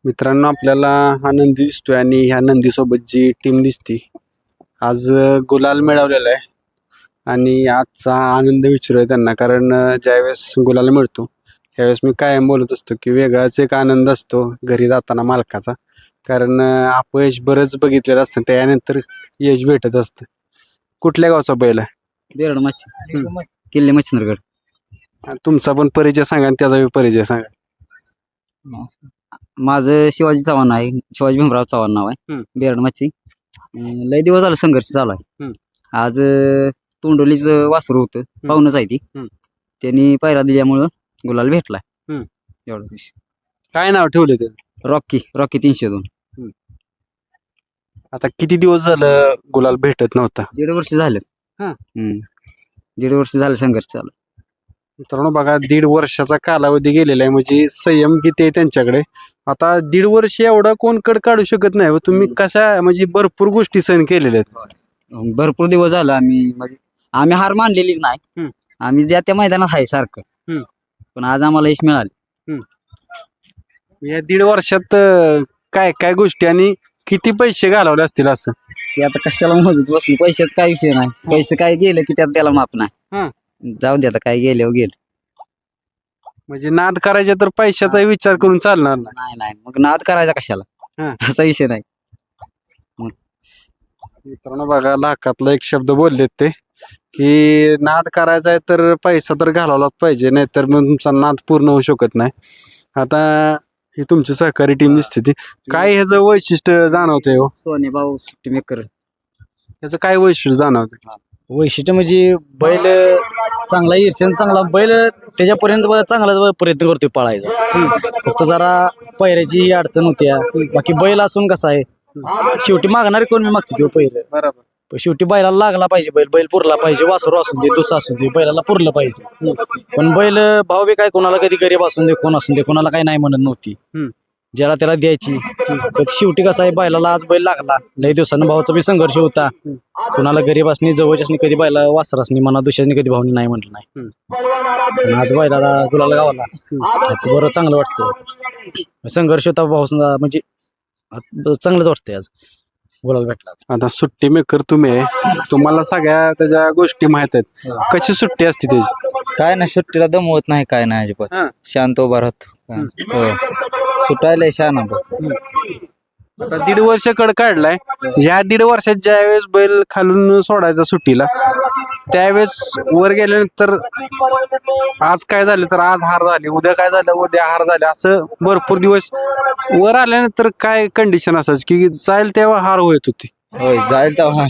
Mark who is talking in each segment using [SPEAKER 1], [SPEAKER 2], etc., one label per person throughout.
[SPEAKER 1] मित्रांनो, आपल्याला हा नंदी दिसतोय आणि ह्या नंदीसोबत जी टीम दिसती आज गुलाल मिळवलेला आहे. आणि आजचा आनंद विचारूया त्यांना, कारण ज्यावेळेस गुलाल मिळतो त्यावेळेस मी कायम बोलत असतो की वेगळाच एक आनंद असतो घरी जाताना मालकाचा. कारण अपयश बरंच बघितलेलं असतं, त्यानंतर यश भेटत असतं. कुठल्या गावचा बैल आहे?
[SPEAKER 2] बेरड मच्छी किल्ले मच्छिंद्रगड.
[SPEAKER 1] आणि तुमचा पण परिचय सांगा आणि त्याचा बी परिचय सांगा.
[SPEAKER 2] माझं शिवाजी चव्हाण आहे, शिवाजी भीमराव चव्हाण नाव आहे.
[SPEAKER 1] हम्म.
[SPEAKER 2] बेरड मच्छी. लय दिवस झालं संघर्ष चालू आहे.
[SPEAKER 1] हम्म.
[SPEAKER 2] आज तोंडोलीच वासरू होतं, पाहुणच आहे ती.
[SPEAKER 1] हम्म.
[SPEAKER 2] त्यांनी पायरा दिल्यामुळं गुलाल भेटलाय.
[SPEAKER 1] हम्म.
[SPEAKER 2] एवढं विषय.
[SPEAKER 1] काय नाव ठेवले त्याचं?
[SPEAKER 2] रॉकी 302.
[SPEAKER 1] आता किती दिवस झालं गुलाल भेटत नव्हता?
[SPEAKER 2] 1.5 वर्ष झालं.
[SPEAKER 1] हा.
[SPEAKER 2] 1.5 वर्ष झालं संघर्ष चालू.
[SPEAKER 1] मित्रांनो बघा, 1.5 वर्षाचा कालावधी गेलेला आहे, म्हणजे संयम किती आहे त्यांच्याकडे. आता 1.5 वर्ष एवढा कोण कड काढू शकत नाही हो. तुम्ही कशा म्हणजे भरपूर गोष्टी सहन केलेल्या आहेत.
[SPEAKER 2] भरपूर दिवस झालं आम्ही हार मानलेलीच नाही. आम्ही ज्या त्या मैदानात आहे सारखं. पण आज आम्हाला यश मिळाले.
[SPEAKER 1] या 1.5 वर्षात काय काय गोष्टी आणि किती पैसे घालवले असतील असं?
[SPEAKER 2] ते आता कशाला मोजत बसलो, पैशाच काय विषय नाही. पैसे काय गेले की त्यात त्याला माप नाही. जाऊ दे, आता काय गेल्यावर गेलं.
[SPEAKER 1] म्हणजे नाद करायचे तर पैशाचा विचार करून चालणार नाही.
[SPEAKER 2] नाही मग नाद करायचा कशाला, असा विषय नाही.
[SPEAKER 1] मित्रांनो बघा, लाखातला एक शब्द बोललेत ते की नाद करायचा आहे तर पैसा तर घालावलाच पाहिजे, नाहीतर मग तुमचा नाद पूर्ण होऊ शकत नाही. आता ही तुमची सहकारी टीम दिसते ती काय ह्याचं वैशिष्ट्य जाणवतंय हो?
[SPEAKER 2] सोने भाऊ सुट्टी मेकर.
[SPEAKER 1] ह्याचं काय वैशिष्ट्य जाणवतंय?
[SPEAKER 3] वैशिष्ट्य म्हणजे बैल चांगला ईर्ष्यन चांगला बैल त्याच्यापर्यंत चांगला प्रयत्न करतोय पळायचा. फक्त जरा पायऱ्याची ही अडचण होत्या. बाकी बैल असून कसा आहे, शेवटी मागणारे कोण मी मागते तो पहिलं.
[SPEAKER 1] बरोबर.
[SPEAKER 3] पण शेवटी बैलाला लागला पाहिजे, बैल पुरला पाहिजे. वासरू असून दे, दुसरा असून दे, बैलाला पुरलं पाहिजे. पण बैल भाव बी काय कोणाला कधी गरीब असून दे, कोण असून दे, कोणाला काही नाही म्हणत नव्हती. ज्याला त्याला द्यायची. पण शेवटी कसं आहे, बैलाला आज बैल लागला. लई दिवसानं भावाचा बी संघर्ष होता. कुणाला गरीब असणे, जवळच्यासनी कधी बैला वासर असणे म्हणा, दुसऱ्याने कधी भावनी नाही म्हटलं नाही. पण आज बैलाला गुलाल गावाला त्याच बरं चांगलं वाटतं. संघर्ष होता भाऊ, म्हणजे चांगलंच वाटतंय आज गुलाल भेटला.
[SPEAKER 1] आता सुट्टी मेकर तुम्ही आहे, तुम्हाला सगळ्या त्याच्या गोष्टी माहित आहेत. कशी सुट्टी असते त्याची?
[SPEAKER 2] काय नाही, सुट्टीला दमवत नाही, काय नाही अजिबात. शांत उभा राहतो. सुटायला शान.
[SPEAKER 1] आता 1.5 वर्ष कड काढलाय. ह्या 1.5 वर्षात ज्या वेळेस बैल खालून सोडायचा सुट्टीला, त्यावेळेस वर गेल्यानंतर आज काय झालं तर आज हार झाली, उद्या काय झालं उद्या हार झाले, असं भरपूर दिवस वर आल्यानंतर काय कंडिशन असायची की जाईल तेव्हा हार होत होती?
[SPEAKER 2] होय, जाईल तेव्हा.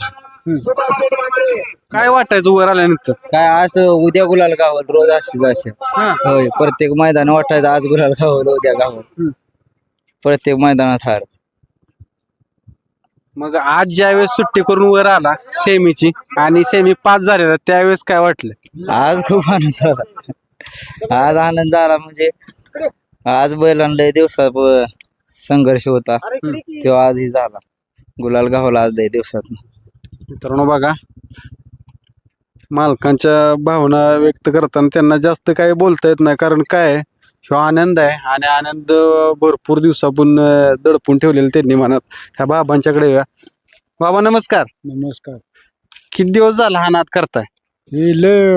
[SPEAKER 1] काय वाटायचं वर आल्यानंतर?
[SPEAKER 2] काय आज उद्या गुलाल गावल, रोज अशीच. होय, प्रत्येक मैदान वाटायचं आज गुलाल गावल, उद्या गावल. प्रत्येक मैदानात हार.
[SPEAKER 1] मग आज ज्यावेळेस सुट्टी करून वर आला सेमीची आणि सेमी पास झालेला, त्यावेळेस काय वाटलं?
[SPEAKER 2] आज खूप आनंद झाला. आज आनंद झाला म्हणजे आज बैलांना दिवसात संघर्ष होता, तेव्हा आजही झाला. गुलाल गावला आज लय दिवसात.
[SPEAKER 1] मित्रांनो बघा, मालकांच्या भावना व्यक्त करताना त्यांना जास्त काही बोलता येत नाही, कारण काय ह्यो आनंद आहे आणि आनंद भरपूर दिवसापून दडपून ठेवलेला त्यांनी मनात. ह्या बाबांच्याकडे या. बाबा नमस्कार.
[SPEAKER 3] नमस्कार.
[SPEAKER 1] किती दिवस झाला हा नाद करताय?
[SPEAKER 3] हे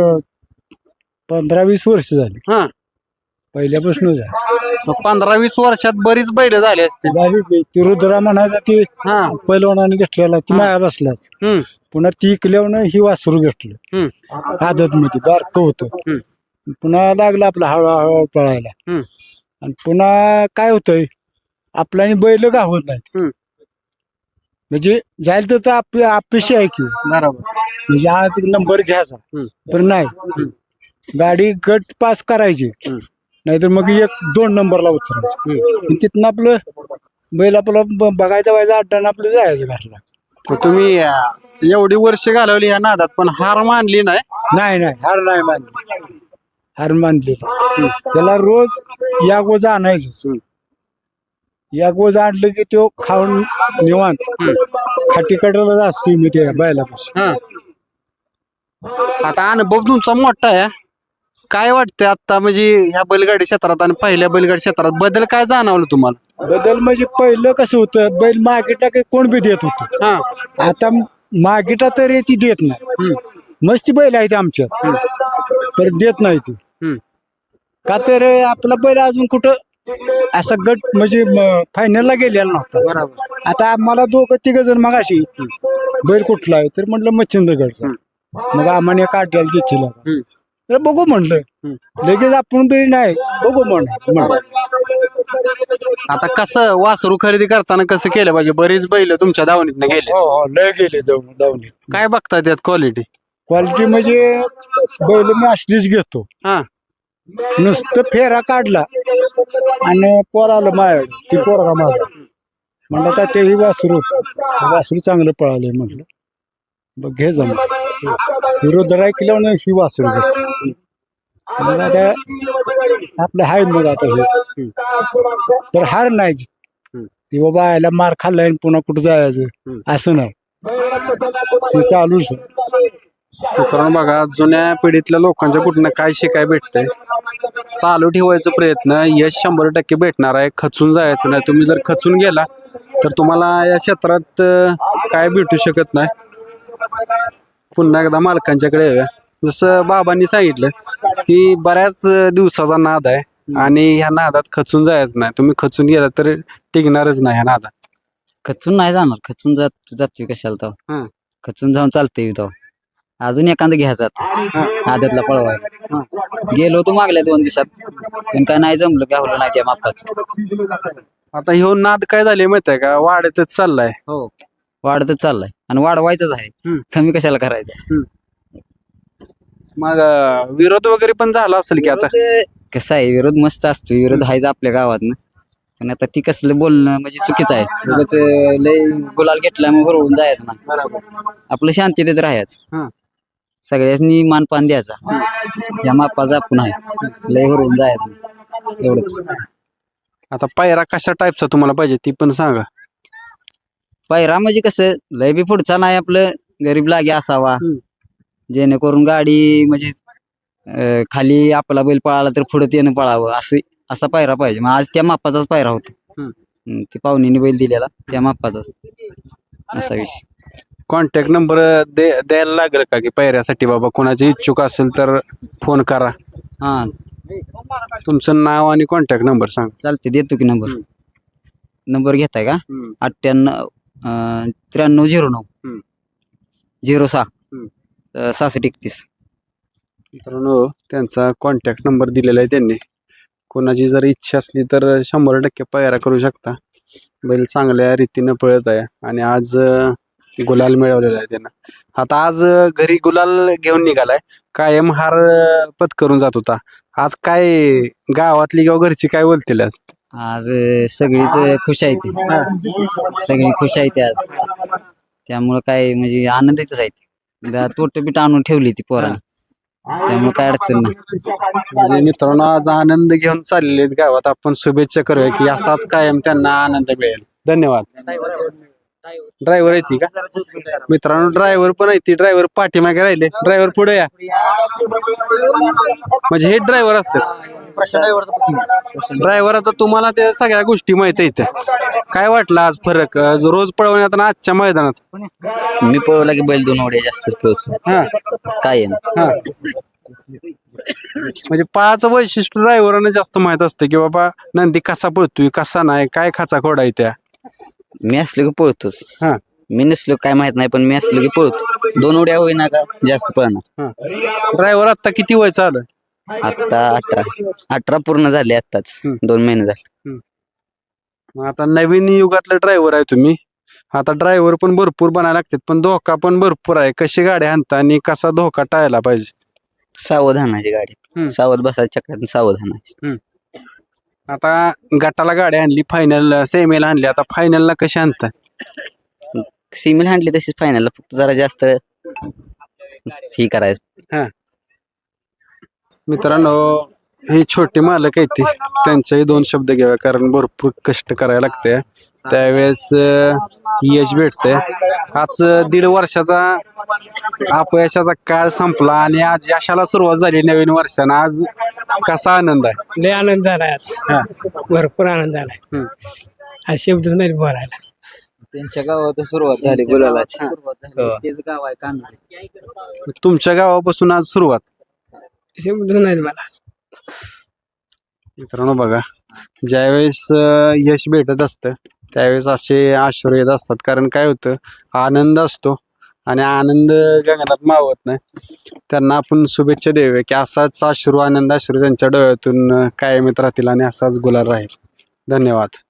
[SPEAKER 3] 15-20 वर्ष झाली. पहिल्यापासूनच आहे.
[SPEAKER 1] 15-20 वर्षात बरीच बैल झाली असते.
[SPEAKER 3] ती रुद्रा म्हणायचा ती पैलवानाने घेतलेला, ती माया बसलाच. पुन्हा ती इकल्यावर ही वासरू घेतलं आदत मध्ये, बारक होतं. पुन्हा लागलं आपलं हळूहळू पळायला. आणि पुन्हा काय होतंय, आपल्याने बैल गावत नाहीत. म्हणजे जायला तर अपेक्षा आहे की म्हणजे आज नंबर घ्यायचा, पण नाही. गाडी गट पास करायची, नाहीतर मग 1-2 नंबरला उतरायचं. तिथनं आपलं बैल आपलं बघायचा व्हायचा अड्डानं आपलं जायचं घरला.
[SPEAKER 1] तुम्ही एवढी वर्ष घालवली ह्या नादात, पण हार मानली नाही?
[SPEAKER 3] नाही हार नाही मानली. हार मानली त्याला रोज या गोज आणायचं. या गोज आणलं की तो खाऊन निवांत खाटीकडला असतोय मी त्या बैलापाशी.
[SPEAKER 1] आता अनुभव तुमचा मोठा आहे, काय वाटतंय आता म्हणजे ह्या बैलगाडी क्षेत्रात आणि पहिल्या बैलगाडी क्षेत्रात बदल काय जाणवलं तुम्हाला?
[SPEAKER 3] बदल म्हणजे पहिलं कसं होतं, बैल मागितला की कोण बी देत होतं.
[SPEAKER 1] हा.
[SPEAKER 3] आता मागितला तरी ती देत नाही. मस्ती बैल आहे ती आमच्यात, तर देत नाही ती.
[SPEAKER 1] हम्म.
[SPEAKER 3] का तर आपला बैल अजून कुठं असा गट म्हणजे फायनलला गेलेला नव्हता.
[SPEAKER 1] बरोबर.
[SPEAKER 3] आता आम्हाला दोघं तिघ जण मग अशी बैल कुठला आहे तर म्हटलं मच्छिंद्रगडचा. मग आम्हाला काढायला तिथे तर बघू म्हणलं. लगेच आपण बी नाही बघू म्हणलं.
[SPEAKER 1] आता कसं वासरू खरेदी करताना कसं केलं पाहिजे? बरीच बैल तुमच्या दावणीतनं गेले.
[SPEAKER 3] हो हो लय गेले धावणीत.
[SPEAKER 1] काय बघताय त्यात क्वालिटी?
[SPEAKER 3] क्वालिटी म्हणजे बैल मी असलीच घेतो.
[SPEAKER 1] हा.
[SPEAKER 3] नुसतं फेरा काढला आणि पोर आलं माझ्याकडे, ती पोरगा माझा म्हणलं तर तेही वासरू चांगलं पळालंय म्हटलं बघ घे जमा. ती रुद्र ऐकल्यावर ही वासरू घेतली. मग आता आपलं हाय मग आता हे तर हार नाही ती बाबा आयला मार खाल्लाय आणि पुन्हा कुठं जायचं असं नाही, ते चालूच आहे.
[SPEAKER 1] मित्रांनो बघा, जुन्या पिढीतल्या लोकांच्या कुठनं काय शिकाय भेटतंय. चालू ठेवायचा प्रयत्न यश 100% भेटणार आहे. खचून जायचं नाही. तुम्ही जर खचून गेला तर तुम्हाला या क्षेत्रात काय भेटू शकत नाही. पुन्हा एकदा मालकांच्याकडे येऊया. जसं बाबांनी सांगितलं की बऱ्याच दिवसाचा नाद आहे आणि ह्या नादात खचून जायचं नाही. तुम्ही खचून गेला तर टिकणारच नाही ह्या नादात.
[SPEAKER 2] खचून नाही जाणार, खचून जातोय कशाला
[SPEAKER 1] हं.
[SPEAKER 2] तो, खचून जाऊन चालतंय तो. अजून एखादं घ्यायचा आदतला पळवायला. गेलो होतो मागल्या 2 दिवसात पण काय नाही जमलं, गावलं नाही त्या मापाचं.
[SPEAKER 1] आता ह्यो नाद काय झाले माहित आहे का? वाढतच चाललाय.
[SPEAKER 2] हो वाढतच चाललाय आणि वाढवायचंच आहे. कमी कशाला करायचं.
[SPEAKER 1] मग विरोध वगैरे पण झाला असेल की आता?
[SPEAKER 2] कसं आहे, विरोध मस्त असतो, विरोध आहेच आपल्या गावात. पण आता ती कसलं बोलणं म्हणजे चुकीचं आहे. उगाच लय गुलाल घेतला मग हरवून जायचं ना. आपलं शांततेत राहायचं. सगळ्यांनी मानपान द्यायचा. या मापाचा आपण आहे, लय हरवून जायचं नाही. एवढंच.
[SPEAKER 1] आता पायरा कशा टाईपचा तुम्हाला पाहिजे ती पण सांगा.
[SPEAKER 2] पायरा म्हणजे कसं लय बी पुढचा नाही, आपलं गरीब लागे असावा, जेणेकरून गाडी म्हणजे खाली आपला बैल पळाला तर पुढे त्यानं पळावं असा पायरा पाहिजे. मग आज त्या मापाचाच पायरा होता. ती पाहुणीने बैल दिलेला त्या मापाचाच असा विषय.
[SPEAKER 1] कॉन्टॅक्ट नंबर द्यायला लागेल का की पायऱ्यासाठी? बाबा कोणाची इच्छुक असेल तर फोन करा.
[SPEAKER 2] हा
[SPEAKER 1] तुमचं नाव आणि कॉन्टॅक्ट नंबर सांग.
[SPEAKER 2] चालते, देतो की नंबर घेताय का? 98 9309 06 6631.
[SPEAKER 1] मित्रांनो त्यांचा कॉन्टॅक्ट नंबर दिलेला आहे त्यांनी. कोणाची जर इच्छा असली तर 100% पायरा करू शकता. बैल चांगल्या रीतीनं पळत आहे आणि आज गुलाल मिळवलेला आहे त्यानं. आता आज घरी गुलाल घेऊन निघालाय. कायम हार पत्करून जात होता. आज काय गावातली किंवा घरची काय बोलतील आज?
[SPEAKER 2] आज सगळीच खुश आहे ती, सगळी खुश आहे ती आज. त्यामुळं काय म्हणजे आनंदीतच आहे ती. तोट बीट आणून ठेवली ती पोरांनी, त्यामुळे काय अडचण नाही.
[SPEAKER 1] म्हणजे मित्रांनो आज आनंद घेऊन चाललेले आहेत गावात. आपण शुभेच्छा करूया की असाच कायम त्यांना आनंद मिळेल. धन्यवाद. ड्रायव्हर आहे ती का? मित्रांनो ड्रायव्हर पण आहे ती. ड्रायव्हर पाठीमागे राहिले. ड्रायव्हर पुढे या. म्हणजे हे ड्रायव्हर असतात. ड्रायव्हर आता तुम्हाला त्या सगळ्या गोष्टी माहित आहेत. काय वाटलं आज फरक रोज पळवण्यात आणि आजच्या मैदानात?
[SPEAKER 2] मी पळवला की बैल 2 उड्या जास्तच पळतो.
[SPEAKER 1] हा
[SPEAKER 2] काय
[SPEAKER 1] हा. म्हणजे पळाचं वैशिष्ट्य ड्रायव्हरांना जास्त माहित असतं की बाबा नंदी कसा पळतोय कसा नाही, काय खाचा खोडा आहे त्या.
[SPEAKER 2] मी असलो की पळतोच.
[SPEAKER 1] हा.
[SPEAKER 2] मी नसलो काय माहित नाही, पण मी असलो की पळतो. 2 उड्या होईना का जास्त पळणार.
[SPEAKER 1] ड्रायव्हर आता किती वय चालू?
[SPEAKER 2] आता 18 पूर्ण झाले आत्ताच. 2 महिने झाले.
[SPEAKER 1] मग आता नवीन युगातलं ड्रायव्हर आहे तुम्ही. आता ड्रायव्हर पण भरपूर बनायला लागतात पण धोका पण भरपूर आहे. कशी गाडी हाणता आणि कसा धोका टाळायला पाहिजे?
[SPEAKER 2] सावधानाची गाडी, सावध बसायच्या चक्रात सावधानाची.
[SPEAKER 1] आता गटाला गाडी आणली, फायनल सेमीला आणली, आता फायनलला कशी आणता?
[SPEAKER 2] सिमिल हांडली तशीच फायनलला, फक्त जरा जास्त ही करायचं.
[SPEAKER 1] मित्रांनो ही छोटी मालक आहे ती, त्यांच्याही 2 शब्द घ्यावे कारण भरपूर कष्ट करायला लागते. त्यावेळेस यश भेटतंय. आज 1.5 वर्षाचा अपयशाचा काळ संपला आणि आज यशाला सुरुवात झाली नवीन वर्षानं. आज कसा आनंद आहे?
[SPEAKER 4] लय आनंद झालाय आज.
[SPEAKER 1] हा.
[SPEAKER 4] भरपूर आनंद झालाय. आज शब्दच नाही बोलायला.
[SPEAKER 2] त्यांच्या गावात सुरुवात झाली गुलालाची. तेच गाव आहे कांदळे.
[SPEAKER 1] तुमच्या गावापासून आज सुरुवात.
[SPEAKER 4] शब्द नाही मला आज.
[SPEAKER 1] मित्रांनो बघा, ज्यावेळेस यश भेटत असतं त्यावेळेस असे अश्रू येत असतात. कारण काय होतं, आनंद असतो आणि आनंद गगनात मावत नाही. त्यांना आपण शुभेच्छा देऊया की असाच अश्रू त्यांच्या डोळ्यातून कायम येत राहतील आणि असाच गुलाल राहील. धन्यवाद.